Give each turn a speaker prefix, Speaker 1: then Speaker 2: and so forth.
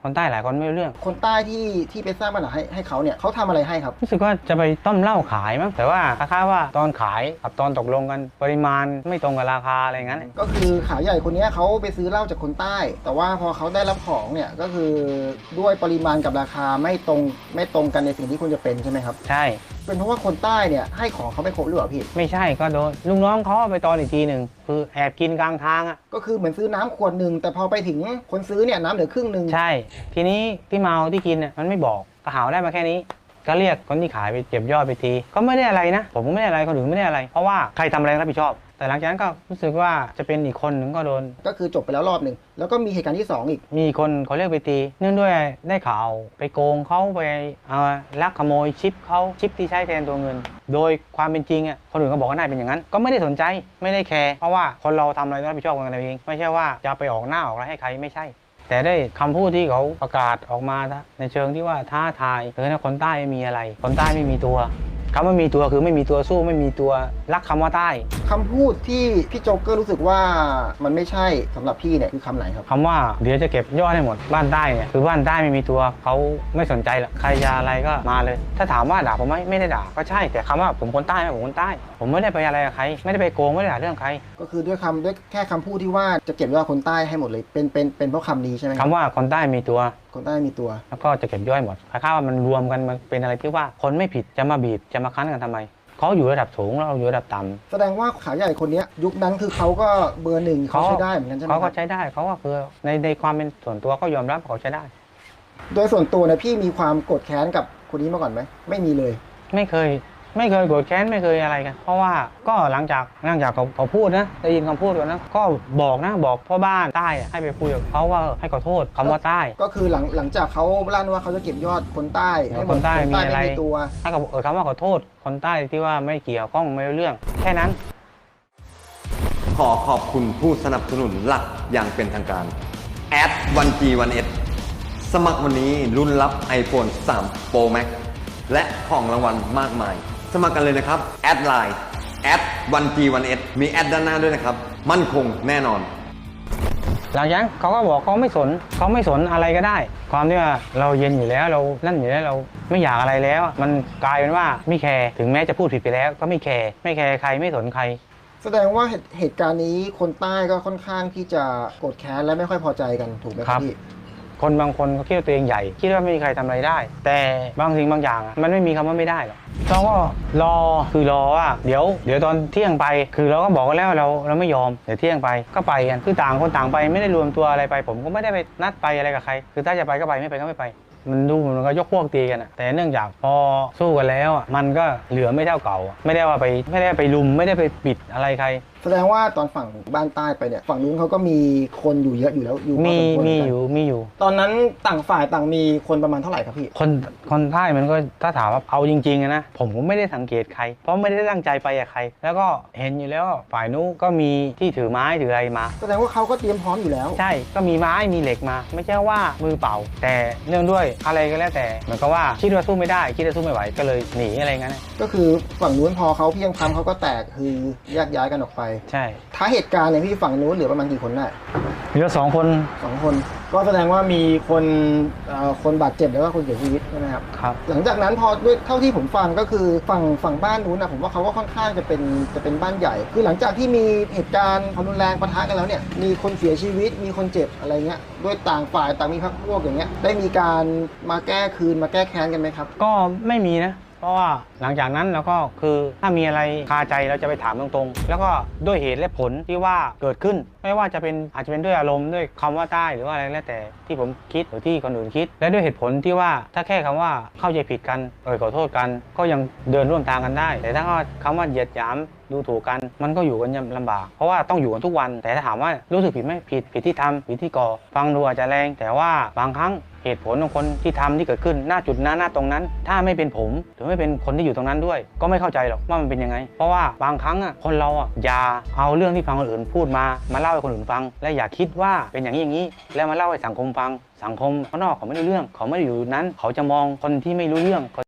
Speaker 1: คนใต้หลายคนไม่รู้เรื่อง
Speaker 2: คนใต้ที่ไปสร้างปัญหาให้เขาเนี่ยเขาทำอะไรให้ครับ
Speaker 1: รู้สึกว่าจะไปต้มเหล้าขายมั้งแต่ว่าคล้ายๆว่าตอนขายกับตอนตกลงกันปริมาณไม่ตรงกับราคาอะไรงั้น
Speaker 2: ก็คือขายใหญ่คนนี้เขาไปซื้อเหล้าจากคนใต้ แต่ว่าพอเขาได้รับของเนี่ยก็คือด้วยปริมาณกับราคาไม่ตรงกันในสิ่งที่ควรจะเป็นใช่ไหมครับ
Speaker 1: ใช่
Speaker 2: เป็นเพราะว่าคนใต้เนี่ยให้ของเขาไม่ครบหรือเปล่าพี่
Speaker 1: ไม่ใช่ก็โดนลุงน้องเขาเอาไปตอนอีกทีหนึ่งคือแอบกินกลางทางอ่ะ
Speaker 2: ก็คือเหมือนซื้อน้ำขวดหนึ่งแต่พอไปถึงคนซื้อเนี่ยน้ำเหลือครึ่งหนึ่ง
Speaker 1: ใช่ทีนี้ที่เมาที่กินเนี่ยมันไม่บอกก็หาได้มาแค่นี้ก็เรียกคนที่ขายไปเก็บยอดไปทีก็ไม่ได้อะไรนะผมก็ไม่ได้อะไรคนอื่นไม่ได้อะไรเพราะว่าใครทำอะไรรับผิดชอบแต่หลังจากนั้นก็รู้สึกว่าจะเป็นอีกคนหนึ่งก็โดน
Speaker 2: ก็คือจบไปแล้วรอบหนึ่งแล้วก็มีเหตุการณ์ที่2อีก
Speaker 1: มีคนเขาเรียกไปตีเนื่องด้วยได้ข่าวไปโกงเขาไปเอาลักขโมยชิปเขาชิปที่ใช้แทนตัวเงินโดยความเป็นจริงอ่ะคนอื่นก็บอกว่าน่าเป็นอย่างนั้นก็ไม่ได้สนใจไม่ได้แคร์เพราะว่าคนเราทำอะไรต้องรับผิดชอบกันเองไม่ใช่ว่าจะไปออกหน้าออกอะไรให้ใครไม่ใช่แต่ได้คำพูดที่เขาประกาศออกมาในเชิงที่ว่าท้าทายนะคนใต้ไม่มีอะไรคนใต้ไม่มีตัวคำว่ามีตัวคือไม่มีตัวสู้ไม่มีตัวรักคำว่าใต้
Speaker 2: คำพูดที่พี่โจ๊กเกอร์รู้สึกว่ามันไม่ใช่สำหรับพี่เนี่ยคือคำไหนครับ
Speaker 1: คำว่าเดี๋ยวจะเก็บยอดให้หมดบ้านใต้เนี่ยคือบ้านใต้ไม่มีตัวเขาไม่สนใจหรอกใครจะอะไรก็มาเลยถ้าถามว่าด่าผมไหมไม่ได้ด่าก็ใช่แต่คำว่าผมคนใต้ไหมผมคนใต้ผมไม่ได้ไปอะไรกับใครไม่ได้ไปโกงไม่ได้ด่าเรื่องใคร
Speaker 2: ก็คือด้วยแค่คำพูดที่ว่าจะเก็บยอดคนใต้ให้หมดเลยเป็นเพราะคำนี้ใช่ไหม
Speaker 1: คำว่าคนใต้มีตัว
Speaker 2: คนใต้มีตัว
Speaker 1: แล้วก็จะเก็บย่อยหมดคล้ายๆว่ามันรวมกันมันเป็นอะไรที่ว่าคนไม่ผิดจะมาบีบจะมาคั้นกันทำไมเขาอยู่ระดับสูงเราอยู่ระดับต่ำ
Speaker 2: แสดงว่าขายใหญ่คนนี้ยุคนั้นคือเขาก็เบอร์หนึ่งเขาใช้ได้เหมือนกันใช่ไหม
Speaker 1: เขาก็ใช้ได้เขาก็คือในความเป็นส่วนตัวก็ยอมรับเขาใช้ได้
Speaker 2: โดยส่วนตัวเนี่ยพี่มีความโกรธแค้นกับคนนี้มาก่อนไหมไม่มีเลย
Speaker 1: ไม่เคยโกรธแค้นไม่เคยอะไรกันเพราะว่าก็หลังจากเขาพูดนะได้ยินคำพูดกันนะก็บอกพ่อบ้านใต้ให้ไปคุยกับเขาว่าให้ขอโทษคำว่าใต้
Speaker 2: ก็คือหลังจากเขาลั่นว่าเขาจะเก็บยอดคนใต้ให้
Speaker 1: คนใต้มีอะไร
Speaker 2: ตัว
Speaker 1: ให้กับคำว่าขอโทษคนใต้ที่ว่าไม่เกี่ยวข้องไม่รู้เรื่องแค่นั้น
Speaker 3: ขอขอบคุณผู้สนับสนุนหลักอย่างเป็นทางการแอด 1G1S สมัครวันนี้รุ่นรับ iPhone 3 Pro Max และของรางวัลมากมายสมัครกันเลยนะครับแอดไลน์แอด 1G1S มีแอดด้านหน้าด้วยนะครับมั่นคงแน่นอน
Speaker 1: หลังจากนั้นเขาก็บอกเขาไม่สนอะไรก็ได้ความที่ว่าเราเย็นอยู่แล้วเรานั่นอยู่แล้วเราไม่อยากอะไรแล้วมันกลายเป็นว่าไม่แคร์ถึงแม้จะพูดผิดไปแล้วก็ไม่แคร์ใครไม่สนใคร
Speaker 2: แสดงว่าเหตุการณ์นี้คนใต้ก็ค่อนข้างที่จะโกรธแค้นและไม่ค่อยพอใจกันถูกไหมครับพี่
Speaker 1: คนบางคนก็คิดว่าตัวเองใหญ่คิดว่าไม่มีใครทำอะไรได้แต่บางสิ่งบางอย่างมันไม่มีคำว่าไม่ได้หรอกเราก็รอว่าเดี๋ยวตอนเที่ยงไปคือเราก็บอกกันแล้วเราไม่ยอมเดี๋ยวเที่ยงไปก็ไปกันคือต่างคนต่างไปไม่ได้รวมตัวอะไรไปผมก็ไม่ได้ไปนัดไปอะไรกับใครคือถ้าจะไปก็ไปไม่ไปก็ไม่ไปมันดูมันก็ยกพวกตีกันแต่เนื่องจากพอสู้กันแล้วมันก็เหลือไม่เท่าเก่าไม่ได้ไปลุมไม่ได้ไปปิดอะไรใคร
Speaker 2: แสดงว่าตอนฝั่งบ้านใต้ไปเนี่ยฝั่งนู้นเขาก็มีคนอยู่เยอะอยู่แล้วอยู่
Speaker 1: มีอยู่
Speaker 2: ตอนนั้นต่างฝ่ายต่างมีคนประมาณเท่าไหร่ครับพี่
Speaker 1: คนใต้มันก็ถ้าถามว่าเอาจริงๆนะผมก็ไม่ได้สังเกตใครเพราะไม่ได้ตั้งใจไปกับใครแล้วก็เห็นอยู่แล้วฝ่ายนู้นก็มีที่ถือไม้ถืออะไรมา
Speaker 2: แสดงว่าเขาก็เตรียมพร้อมอยู่แล้ว
Speaker 1: ใช่ก็มีไม้มีเหล็กมาไม่ใช่ว่ามือเปล่าแต่เนื่องด้วยอะไรก็แล้วแต่เหมือนกับว่าคิดว่าสู้ไม่ได้คิดว่าสู้ไม่ไหวก็เลยหนีอะไรงั้น
Speaker 2: ก็คือฝั่งนู้นพอเขาเพียงพำเขาก็แตกคือแยกย้ายกันออกไป
Speaker 1: ใช่
Speaker 2: ท้าเหตุการณ์เนี่ยพี่ฝั่งนู้นเหลือประมาณกี่คนได้
Speaker 1: เหลือ2 คน
Speaker 2: ก็แสดงว่ามีคนบาดเจ็บแล้วก็คนเสียชีวิตใช่ไหมครับ
Speaker 1: ครับ
Speaker 2: หลังจากนั้นพอด้วยเท่าที่ผมฟังก็คือฝั่งบ้านนู้นนะผมว่าเขาก็ค่อนข้างจะเป็นบ้านใหญ่คือหลังจากที่มีเหตุการณ์ความรุนแรงปะทะกันแล้วเนี่ยมีคนเสียชีวิตมีคนเจ็บอะไรเงี้ยด้วยต่างฝ่ายต่างมีพรรคพวกอย่างเงี้ยได้มีการมาแก้แค้นกันไหมครับ
Speaker 1: ก็ไม่มีนะเพราะว่าหลังจากนั้นเราก็คือถ้ามีอะไรคาใจเราจะไปถามตรงๆแล้วก็ด้วยเหตุและผลที่ว่าเกิดขึ้นไม่ว่าจะเป็นอาจจะเป็นด้วยอารมณ์ด้วยคำว่าใต้หรือว่าอะไรแล้วแต่ที่ผมคิดหรือที่คนอื่นคิดและด้วยเหตุผลที่ว่าถ้าแค่คำว่าเข้าใจผิดกันขอโทษกันก็ยังเดินร่วมทางกันได้แต่ถ้าคำว่าเหยียดหยามดูถูกกันมันก็อยู่กันยังลำบากเพราะว่าต้องอยู่กันทุกวันแต่ถ้าถามว่ารู้สึกผิดไหมผิดที่ทำผิดที่ก่อฟังดูอาจจะแรงแต่ว่าบางครั้งเหตุผลของคนที่ทำที่เกิดขึ้นหน้าจุดนั้นหน้าตรงนั้นถ้าไม่เป็นผมหรือไม่เป็นคนที่อยู่ตรงนั้นด้วยก็ไม่เข้าใจหรอกว่ามันเป็นยังไงเพราะว่าบางครั้งคนเราอย่าเอาเรื่องที่ฟังคนอื่นพูดมาเล่าให้คนอื่นฟังและอย่าคิดว่าเป็นอย่างนี้แล้วมาเล่าให้สังคมฟังสังคมข้างนอกเขาไม่รู้เรื่องเขาไม่ได้อยู่นั้นเขาจะมองคนที่ไม่รู้เรื่องเขา